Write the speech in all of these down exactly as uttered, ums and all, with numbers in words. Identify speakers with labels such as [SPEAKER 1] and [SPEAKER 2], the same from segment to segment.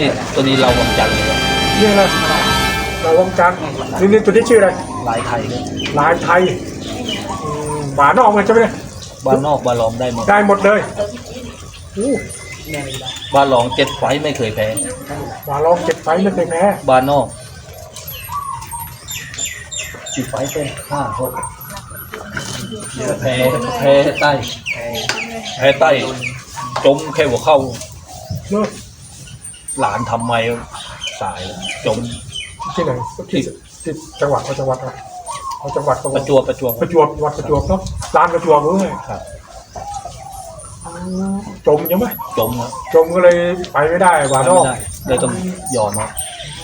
[SPEAKER 1] นี่ตัวนี้เราวังจันทร์เลยครับ
[SPEAKER 2] นี่นะเราวงจันทร์นี่นี่ตัวนี้ชื่ออะไร
[SPEAKER 1] ลายไทยเลย
[SPEAKER 2] ลายไทยอืมหมานอกเลยใช่ไหมเนี่ย
[SPEAKER 1] บ้านนอกบ้านรองได้หมด
[SPEAKER 2] ได้หมดเลยอู้
[SPEAKER 1] บ้านรองเจ็ดไฟไม่เคยแพ้
[SPEAKER 2] หมาลองเจ็ดไฟไม่เคยแพ้
[SPEAKER 1] บ้านนอกจีไฟเป็นห้าคนแพ้แพ้ใต้แพ้ใต้จมแค่หัวเข้า
[SPEAKER 2] เนาะ
[SPEAKER 1] หลานทำไมสายจม
[SPEAKER 2] ที่ไหนที่ที่จังหวัดเอาจังหวัดอะไรเอาจังหวัด
[SPEAKER 1] ประจวบประจวบ
[SPEAKER 2] ประจวบจังหวัดประจวบเนาะลานประจวบเว้ย
[SPEAKER 1] ครับ
[SPEAKER 2] จมใช่ไหม
[SPEAKER 1] จมครับ
[SPEAKER 2] จมก็เลยไปไม่ได้หมานอก
[SPEAKER 1] ไม่ได้เลยต้องยอมครับ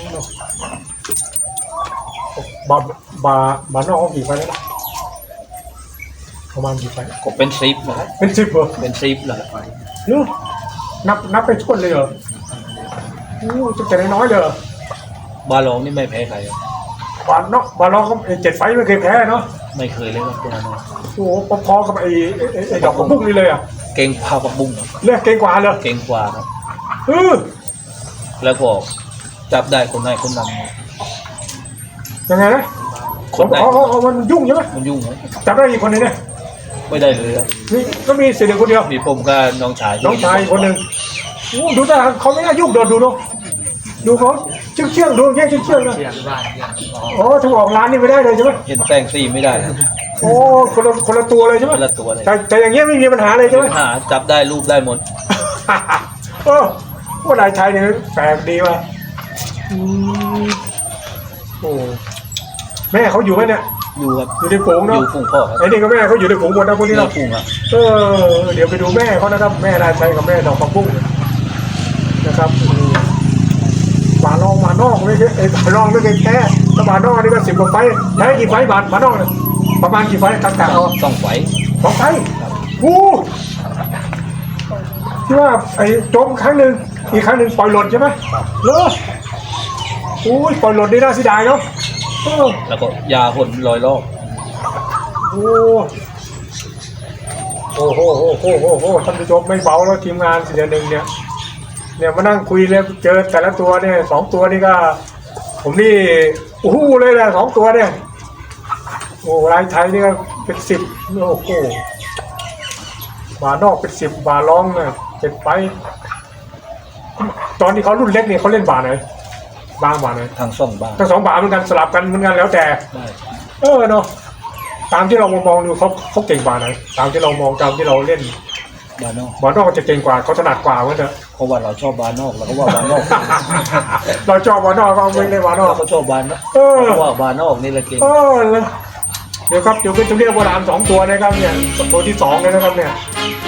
[SPEAKER 2] บาบาบานอกเขากี่ไฟแล้วนะประมาณกี่ไฟ
[SPEAKER 1] ก็เป็นซิปนะครับ
[SPEAKER 2] เป็นสิบเหรอ
[SPEAKER 1] เป็นซิปเลย
[SPEAKER 2] เนอะนับนับไปชนเลยเหรอโอ้จะแต่น้อยๆเลยเหรอ
[SPEAKER 1] บ้านรองนี่ไม่แพ้ใครครับ
[SPEAKER 2] บานนอกบานนอกก็ไอ้เจ็ดไฟไม่เคยแพ้เนาะ
[SPEAKER 1] ไม่เคยเลยครับตัวนั้นนะ
[SPEAKER 2] โอ้โหพอๆกับไอ้ไอ้ไอ้ไอ้ดอกกระบุ้งนี่เลยอ่ะ
[SPEAKER 1] เก่งพาปักบุ้งครับ
[SPEAKER 2] เรียกเก่งกว่าเลย
[SPEAKER 1] เก่งกว่าครับ
[SPEAKER 2] เออ
[SPEAKER 1] แล้วก็จับได้คนไหนคนนั้น
[SPEAKER 2] ยังไงนะ
[SPEAKER 1] คนไหน
[SPEAKER 2] เขาเขามันยุ่งใช่ไหม
[SPEAKER 1] มันยุ่งไหม
[SPEAKER 2] จับได้อีกคนนึงเนี่ย
[SPEAKER 1] ไม่ได้เลยครับ
[SPEAKER 2] นี่ก็มีเสียเด็กคนเดียว
[SPEAKER 1] มีผมกับน้องชาย
[SPEAKER 2] น้องชายอีกคนหนึ่งโอ้ดูแต่เขาไม่น่ายุ่งโดนดูเนาะดูเขาเชื่องเชื่องๆดูแย่งเชื่องเชื่องๆนะโอ้ถ้าออกร้านนี่ไม่ได้เลยใช่ไหม
[SPEAKER 1] เห็นแป้งซี่ไม่ได้ครับ
[SPEAKER 2] โอ้คนละคนละตัวเลยใช่ไหม
[SPEAKER 1] คนละตัวเลย
[SPEAKER 2] แต่แต่อย่างเงี้ยไม่มีปัญหาเลยใช่ไหม
[SPEAKER 1] หาจับได้รูปได้หมด
[SPEAKER 2] เออว่านายไทยเนี่ยแปลกดีว่ะอืมโอ้แม่เขาอยู่ไหมเนี่ย
[SPEAKER 1] อยู่ครับ
[SPEAKER 2] อยู่ในฝูง
[SPEAKER 1] อ
[SPEAKER 2] เนาะ
[SPEAKER 1] ยู่ฝูงพ่อครับ
[SPEAKER 2] ไอ้นี่ก็แม่เขาอยู่ในฝูงหมดนะพวกนี้
[SPEAKER 1] เรา
[SPEAKER 2] เนาะ
[SPEAKER 1] ฝูงครับ
[SPEAKER 2] เออเดี๋ยวไปดูแม่เขานะครับ แม่นายชัยกับแม่ดอกผักบุ้งนะครับอืมหมานองหมานอกไม่ใช่ไอ้หมานองไม่เคยแพ้ถ้าหมานอกนี่ก็สิบกว่าไฟแพ้กี่ไฟหมานหมานอกเนี่ยประมาณกี่ไฟกลางๆเอา
[SPEAKER 1] ต้องไหว
[SPEAKER 2] สองไฟกูที่ว่าไอ้จมครั้งหนึ่งอีกครั้งหนึ่งปล่อยหล่นใช่ไหมเลออุ้ยปล่อยหล่นนี่น่าเสียดายเนาะเออ
[SPEAKER 1] แล้วก็ยาหนลอยรอบ
[SPEAKER 2] โอ้โอ้โหโอ้โหโอ้โหท่านผู้ชมไม่เบาแล้วทีมงานเสียหนึ่งเนี่ยเนี่ยมานั่งคุยเลยเจอแต่ละตัวเนี่ยสองตัวนี่ก็ ผมนี่โอ้โหเลยแหละสองตัวเนี่ยโอ้รายไทยนี่ก็เป็นสิบโอ้โหบาร์นอกเป็นสิบบาร์ร้องเนี่ยเป็นไป ตอนที่เขารุ่นเล็กเนี่ยเขาเล่นบาร์ไหนบางบาร์ไหน
[SPEAKER 1] ทางซ่องบ้าน
[SPEAKER 2] ทั้งสองบาร์เหมือนกันสลับกันเหมือนกันแล้วแต่
[SPEAKER 1] ได้
[SPEAKER 2] เออเนาะตามที่เรามองดูเขาเขาเก่งกว่าไหนตามที่เรามองตามที่เราเล่น
[SPEAKER 1] บ้านนอก
[SPEAKER 2] บอลนอกจะเก่งกว่าเขาถนัดกว่าเหมือนเถอะ
[SPEAKER 1] เพราะว่าเราชอบบ้านนอกเราก็ว่าบ้านนอก
[SPEAKER 2] เราชอบบอลนอกก็ไม่ได้บอลนอก
[SPEAKER 1] เราก็ชอบบ้านนอก
[SPEAKER 2] เออ
[SPEAKER 1] เพราะว่าบ้านนอกนี่แหละเก่ง
[SPEAKER 2] เออเลยเดี๋ยวครับเดี๋ยวเป็นตัวเรียกโบราณสองตัวนะครับเนี่ยตัวที่สองเลยนะครับเนี่ย